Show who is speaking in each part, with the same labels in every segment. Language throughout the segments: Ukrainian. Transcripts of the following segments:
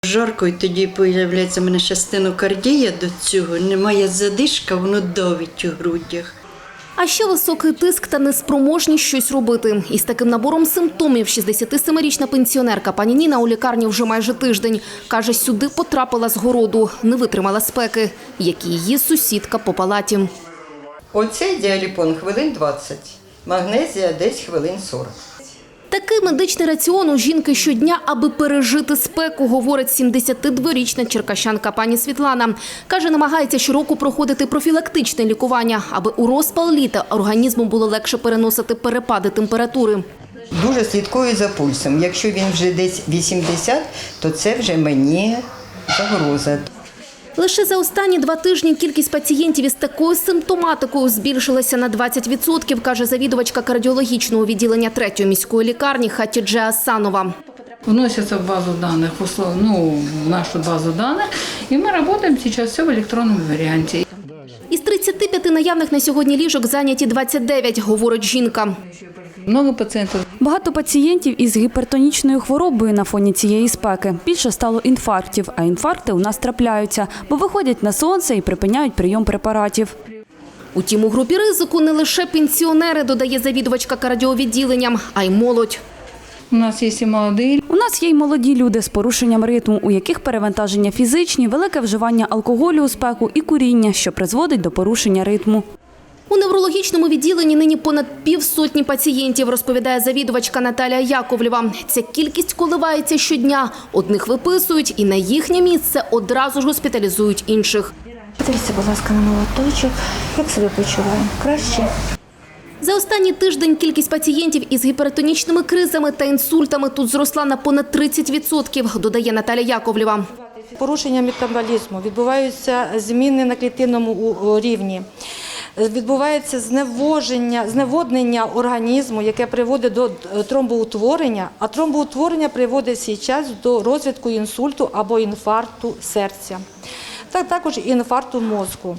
Speaker 1: Жарко, і тоді з'являється в мене ще стенокардія до цього, немає задишка, воно давить у грудях.
Speaker 2: А ще високий тиск та неспроможність щось робити. Із таким набором симптомів 67-річна пенсіонерка пані Ніна у лікарні вже майже тиждень. Каже, сюди потрапила з городу, не витримала спеки, як і її сусідка по палаті.
Speaker 1: Оцей діаліпон хвилин 20, магнезія десь хвилин 40.
Speaker 2: Такий медичний раціон у жінки щодня, аби пережити спеку, говорить 72-річна черкащанка пані Світлана. Каже, намагається щороку проходити профілактичне лікування, аби у розпал літа організму було легше переносити перепади температури.
Speaker 1: Дуже слідкую за пульсом. Якщо він вже десь 80, то це вже мені загроза.
Speaker 2: Лише за останні 2 тижні кількість пацієнтів із такою симптоматикою збільшилася на 20%, каже завідувачка кардіологічного відділення 3-ї міської лікарні Хатідже Асанова.
Speaker 3: Вносятся в базу данных, в нашу базу данных, и мы работаем сейчас все в электронном варианте.
Speaker 2: Із 35 наявних на сьогодні ліжок зайняті 29, говорить жінка.
Speaker 3: Много пациентов.
Speaker 4: Багато пацієнтів із гіпертонічною хворобою на фоні цієї спеки. Більше стало інфарктів, а інфаркти у нас трапляються, бо виходять на сонце і припиняють прийом препаратів.
Speaker 2: Утім, у групі ризику не лише пенсіонери, додає завідувачка кардіовідділенням, а й молодь.
Speaker 3: У нас есть и молодые.
Speaker 4: У нас є й молоді люди з порушенням ритму, у яких перевантаження фізичні, велике вживання алкоголю у спеку і куріння, що призводить до порушення ритму.
Speaker 2: У неврологічному відділенні нині понад півсотні пацієнтів, розповідає завідувачка Наталія Яковлєва. Ця кількість коливається щодня. Одних виписують і на їхнє місце одразу ж госпіталізують інших.
Speaker 5: Подивіться, будь ласка, на молоточок. Як себе почуваємо? Краще?
Speaker 2: За останній тиждень кількість пацієнтів із гіпертонічними кризами та інсультами тут зросла на понад 30%, додає Наталія Яковлєва.
Speaker 5: Порушення метаболізму, відбуваються зміни на клітинному рівні. Відбувається зневоднення організму, яке приводить до тромбоутворення, а тромбоутворення приводить зараз до розвитку інсульту або інфаркту серця, також інфаркту мозку.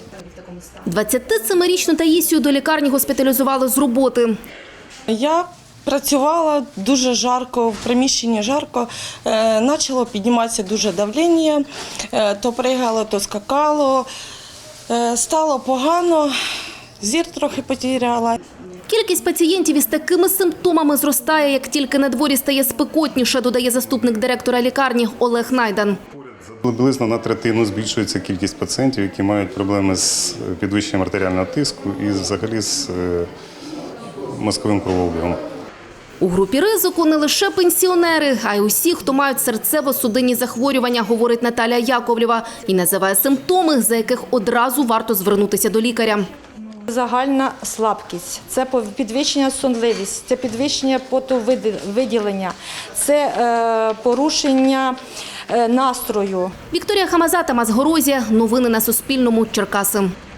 Speaker 2: 27-річну Таїсію до лікарні госпіталізували з роботи.
Speaker 6: Я працювала дуже жарко, в приміщенні жарко, почало підніматися дуже давлення, то пригало, то скакало, стало погано, зір трохи потеряла.
Speaker 2: Кількість пацієнтів із такими симптомами зростає, як тільки на дворі стає спекотніше, додає заступник директора лікарні Олег Найдан.
Speaker 7: Приблизно на третину збільшується кількість пацієнтів, які мають проблеми з підвищенням артеріального тиску і взагалі з мозковим кровообігом.
Speaker 2: У групі ризику не лише пенсіонери, а й усі, хто мають серцево-судинні захворювання, говорить Наталія Яковлєва, і називає симптоми, за яких одразу варто звернутися до лікаря.
Speaker 5: Загальна слабкість, це підвищення сонливості, це підвищення потовиділення, це порушення настрою.
Speaker 2: Вікторія Хамаза, Тамас Горозія. Новини на Суспільному. Черкаси.